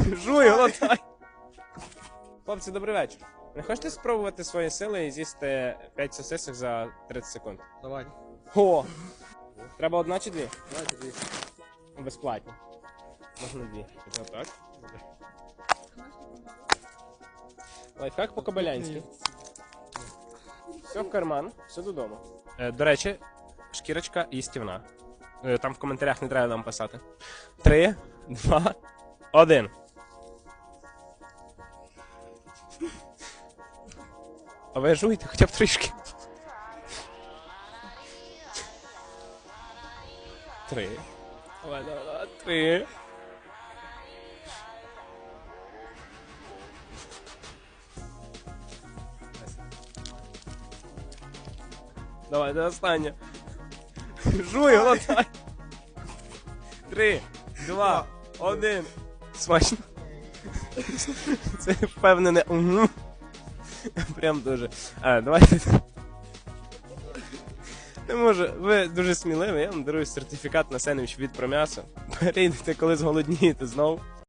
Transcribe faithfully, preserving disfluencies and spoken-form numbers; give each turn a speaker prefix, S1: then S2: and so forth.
S1: Жуй, глотай. Хлопці, добрий вечір. Не хочете спробувати свої сили і з'їсти п'ять сосисок за тридцять секунд?
S2: Давай.
S1: О! Треба одна чи дві?
S2: Давайте дві.
S1: Безплатно. Можна дві. Це отак. Лайфхак по-кобилянськи. Все в карман, все додому. Е, до речі, шкірочка їстівна. Е, там в коментарях не треба нам писати. Три, два, один. А ви жуйте хоча б трішки. Три. Давай, давай, давай. Три. Давай, до останнє. Жуй, глотай. Три, два, один. Смачно. Це впевнене. Угу. Прям дуже. А, давайте. Не можу. Ви дуже сміливі. Я вам дарую сертифікат на сендвіч від Пром'ясо. Перейдете, коли зголоднієте знову.